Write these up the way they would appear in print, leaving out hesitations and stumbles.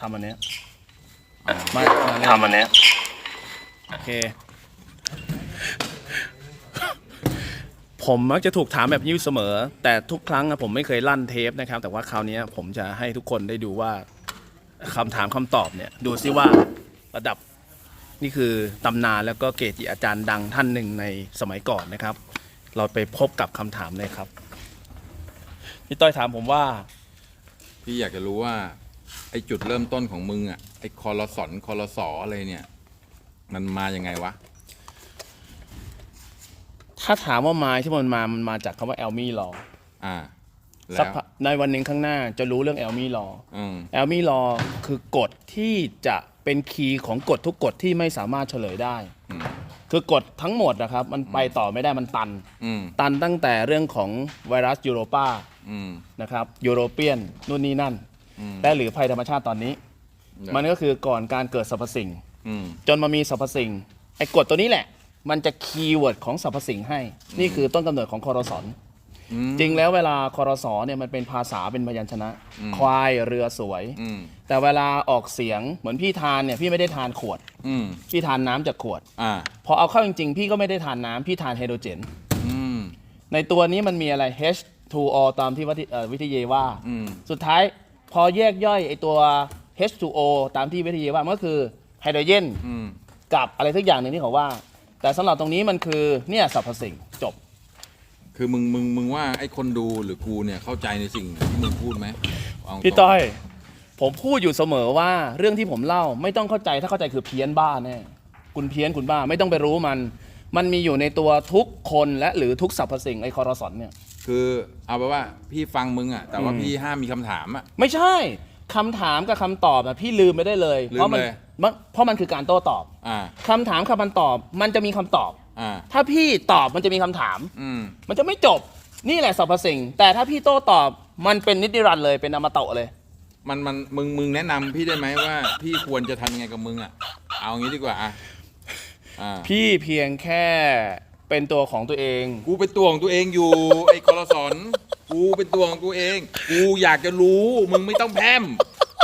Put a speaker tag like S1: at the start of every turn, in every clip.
S1: ทำอันเนี้ย
S2: ทำอันเนี้ย
S1: โอเคผมมักจะถูกถามแบบนี้เสมอแต่ทุกครั้งผมไม่เคยลั่นเทปนะครับแต่ว่าคราวนี้ผมจะให้ทุกคนได้ดูว่าคำถามคำตอบเนี่ยดูซิว่าระดับนี่คือตำนานแล้วก็เกจิอาจารย์ดังท่านหนึ่งในสมัยก่อนนะครับเราไปพบกับคำถามเลยครับพี่ต้อยถามผมว่า
S3: พี่อยากจะรู้ว่าไอ้จุดเริ่มต้นของมึงอ่ะไอ้คอรสอะไรเนี่ยมันมายังไงวะ
S1: ถ้าถามว่ามาที่มันมาจากคำว่าแอลมี่ลอ
S3: แล้ว
S1: ในวันหนึ่งข้างหน้าจะรู้เรื่องแอลมี่ลอแอลมี่ลอคือกฎที่จะเป็นคีย์ของกฎทุกกฎที่ไม่สามารถเฉลยได้คือกฎทั้งหมดนะครับมันไปต่อไม่ได้มันตันตั้งแต่เรื่องของไวรัสยูโรปานะครับยูโรเปียนนู่นนี่นั่นและหรือภัยธรรมชาติตอนนี้มันก็คือก่อนการเกิดสรรพสิ่งจนมามีสรรพสิ่งไอ้กฎตัวนี้แหละมันจะคีย์เวิร์ดของสรรพสิ่งให้นี่คือต้นกำเนิดของคอรสอนจริงแล้วเวลาคอรสอเนี่ยมันเป็นภาษาเป็นพยัญชนะควายเรือสวยแต่เวลาออกเสียงเหมือนพี่ทานเนี่ยพี่ไม่ได้ทานขวดพี่ทานน้ำจากขวดพอเอาเข้าจริงๆพี่ก็ไม่ได้ทานน้ำพี่ทานไฮโดรเจนในตัวนี้มันมีอะไร H2O ตามที่วิทยาว่าสุดท้ายพอแยกย่อยไอตัว H2O ตามที่วิทยาว่ามันก็คือไฮโดรเจนกับอะไรทุกอย่างหนึ่งที่เขาว่าแต่สำหรับตรงนี้มันคือเนี่ยสรรพสิ่งจบ
S3: คือมึงว่าไอ้คนดูหรือกูเนี่ยเข้าใจในสิ่งที่มึงพูดไหม
S1: พี่ต้อยผมพูดอยู่เสมอว่าเรื่องที่ผมเล่าไม่ต้องเข้าใจถ้าเข้าใจคือเพี้ยนบ้าแน่คุณเพี้ยนคุณบ้าไม่ต้องไปรู้มันมีอยู่ในตัวทุกคนและหรือทุกสรรพสิ่งไอ้คอรสอนเนี่ย
S3: คือเอาไปว่าพี่ฟังมึงอ่ะแต่ว่าพี่ห้ามมีคำถามอ่ะ
S1: ไม่ใช่คำถามกับคำตอบอ่ะพี่ลืมไปได้เลยเพราะมันคือการโต้ตอบคำถามคำตอบมันจะมีคำตอบถ้าพี่ตอบมันจะมีคำถามมันจะไม่จบนี่แหละสรรพสิ่งแต่ถ้าพี่โต้ตอบมันเป็นนิติรันดร์เลยเป็นอมตะเลย
S3: มึงแนะนำพี่ได้ไหมว่าพี่ควรจะทำยังไงกับมึงอ่ะเอางี้ดีกว่า
S1: พี่เพียงแค่เป็นตัวของตัวเอง
S3: กูเป็นตัวของตัวเองอยู่ไอ้คอรสอนกูเป็นตัวของตัวเองกูอยากจะรู้มึงไม่ต้องแพร่ม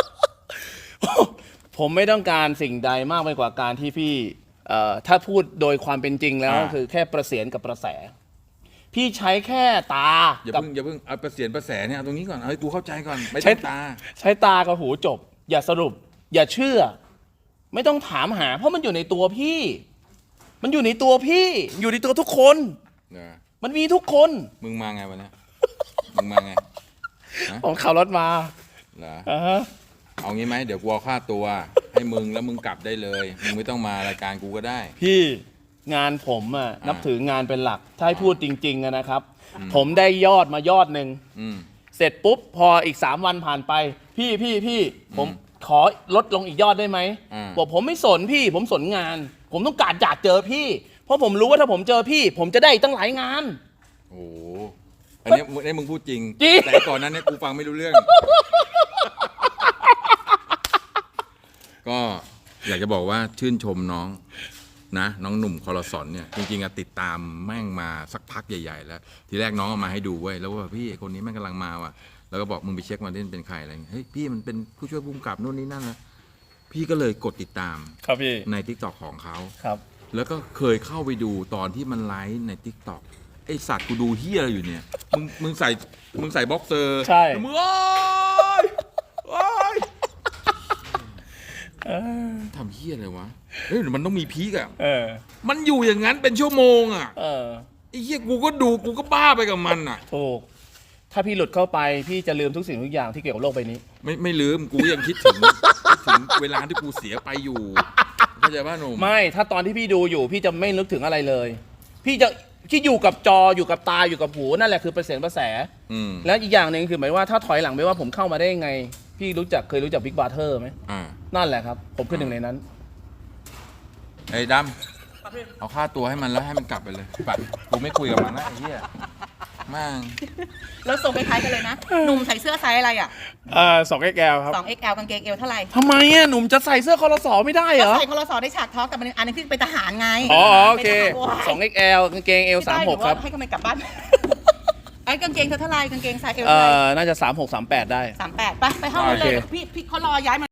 S1: ผมไม่ต้องการสิ่งใดมากไปกว่าการที่พี่ถ้าพูดโดยความเป็นจริงแล้วคือแค่ประเสียนกับประแสพี่ใช้แค่ตา
S3: อย่าเพิ่งเอาประเสียนประแสเนี่ยเอาตรงนี้ก่อนเอาให้กูเข้าใจก่อนไม่ใช่ตา
S1: ใช้ตากับหูจบอย่าสรุปอย่าเชื่อไม่ต้องถามหาเพราะมันอยู่ในตัวพี่มันอยู่ในตัวพี่อยู่ในตัวทุกคนมันมีทุกคน
S3: มึงมาไงวะเนี่ยมึงมาไง
S1: ผมขับรถมา
S3: เหรอเอางี้ไหมเดี๋ยวกูเอาค่าตัวให้มึงแล้วมึงกลับได้เลยมึงไม่ต้องมารายการกูก็ได้
S1: พี่งานผมนับถืองานเป็นหลักถ้าให้พูดจริงๆนะครับผมได้ยอดมายอดหนึ่งเสร็จปุ๊บพออีก3 วันผ่านไปพี่ผมขอลดลงอีกยอดได้ไหมบอกผมไม่สนพี่ผมสนงานผมต้องการอยากเจอพี่เพราะผมรู้ว่าถ้าผมเจอพี่ผมจะได้ตั้งหลายงาน
S3: โอ้อันนี้มึงพูดจริงแต่ก่อนนั้นเนี่ยกูฟังไม่รู้เรื่องก็อยากจะบอกว่าชื่นชมน้องนะน้องหนุ่มคอรสอนเนี่ยจริงๆติดตามแม่งมาสักพักใหญ่ๆแล้วทีแรกน้องเอามาให้ดูเว้ยแล้วว่าพี่คนนี้แม่งกำลังมาว่ะแล้วก็บอกมึงไปเช็คมาที่เป็นใครอะไรเฮ้ยพี่มันเป็นผู้ช่วยผู้กำกับนู่นนี่นั่นนะพี่ก็เลยกดติดตาม
S1: ครับพี่
S3: ใน TikTok ของเขา
S1: ครับ
S3: แล้วก็เคยเข้าไปดูตอนที่มันไลฟ์ใน TikTok ไอสัตว์กูดูเฮียอะไรอยู่เนี่ยมึงใส่บ็อกเซอร์
S1: ใช่
S3: มึงโอ๊ยทำเฮี้ยอะไรวะเฮ้ยมันต้องมีพีกอะมันอยู่อย่างนั้นเป็นชั่วโมงอะไอ้เฮี้ยกูก็ดูกูก็บ้าไปกับมันอะ
S1: ถูกถ้าพี่หลุดเข้าไปพี่จะลืมทุกสิ่งทุกอย่างที่เกี่ยวกับโลกใบนี้
S3: ไม่ลืมกูยังคิดถึงเวลาที่กูเสียไปอยู่เข้าใจป่ะหนุ่ม
S1: ไม่ถ้าตอนที่พี่ดูอยู่พี่จะไม่นึกถึงอะไรเลยพี่จะที่อยู่กับจออยู่กับตาอยู่กับหูนั่นแหละคือประเสียนประแสแล้วอีกอย่างหนึ่งคือหมายว่าถ้าถอยหลังไปว่าผมเข้ามาได้ยังไงพี่เคยรู้จักบิ๊กบาร์เทอร์ไหมนั่นแหละครับผมคือหนึ่งในนั้น
S3: ไอ้ดำเอาค่าตัวให้มันแล้วให้มันกลับไปเลยปัดกูไม่คุยกับมันนะไอ้เหี้ยมั่ง
S4: แล้วส่งคล้ายๆกันเลยนะหนุ่มใส่เสื้อไซส์อะไรอ่ะ
S1: 2XL ครับ
S4: 2XL กางเกงเอวเท่าไหร่
S1: ทำไมหนุ่มจะใส่เสื้อคอรสอไม่ได้เหรอ
S4: ใส่คอรสอได้ฉากท้อกับอันนึงที่เป็นทหารไง
S1: โอเค 2XL กางเกงเอว36ครับ
S4: ให้กำลังกลับบ้านไอ้กางเกงเท่าไหร่กางเกงไซส์เอว
S1: น่าจะ36 38ได้
S4: 38ไปห้องเลยพี่เขารอย้ายมา